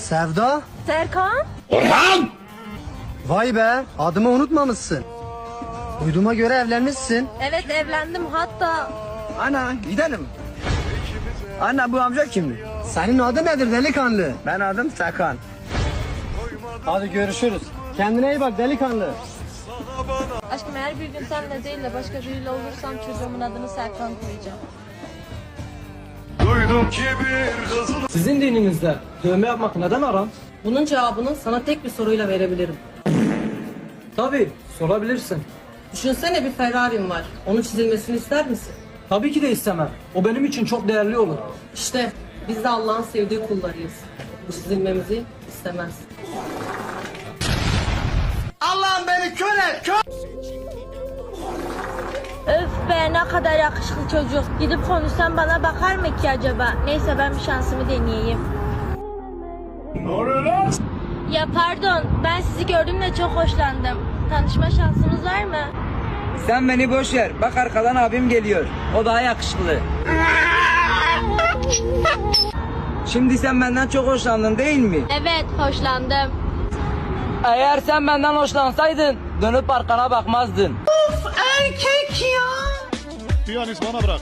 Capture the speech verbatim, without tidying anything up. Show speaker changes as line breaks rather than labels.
Sevda?
Serkan?
Orhan!
Vay be, adımı unutmamışsın. Duyduğuma göre evlenmişsin.
Evet evlendim hatta.
Ana gidelim. Ana bu amca kimdi?
Senin adın nedir delikanlı?
Ben adım Serkan.
Hadi görüşürüz. Kendine iyi bak delikanlı.
Aşkım eğer bir gün seninle değil de başka biriyle olursam çocuğumun adını Serkan koyacağım.
Duydum ki bir kızıl
Sizin dininizde dövme yapmak neden haram?
Bunun cevabını sana tek bir soruyla verebilirim.
Tabii, sorabilirsin.
Düşünsene bir Ferrari'm var. Onun çizilmesini ister misin?
Tabii ki de istemem. O benim için çok değerli olur.
İşte biz de Allah'ın sevdiği kullarıyız. Bu çizilmemizi istemez.
Allah'ım beni kör et kör.
Öf be ne kadar yakışıklı çocuk. Gidip konuşsam bana bakar mı ki acaba? Neyse ben bir şansımı deneyeyim. Ya pardon ben sizi gördüm de çok hoşlandım. Tanışma şansımız var mı?
Sen beni boş ver. Bak arkadan abim geliyor. O daha yakışıklı. Şimdi sen benden çok hoşlandın değil mi?
Evet hoşlandım.
Eğer sen benden hoşlansaydın dönüp arkana bakmazdın.
piyanist bana bırak.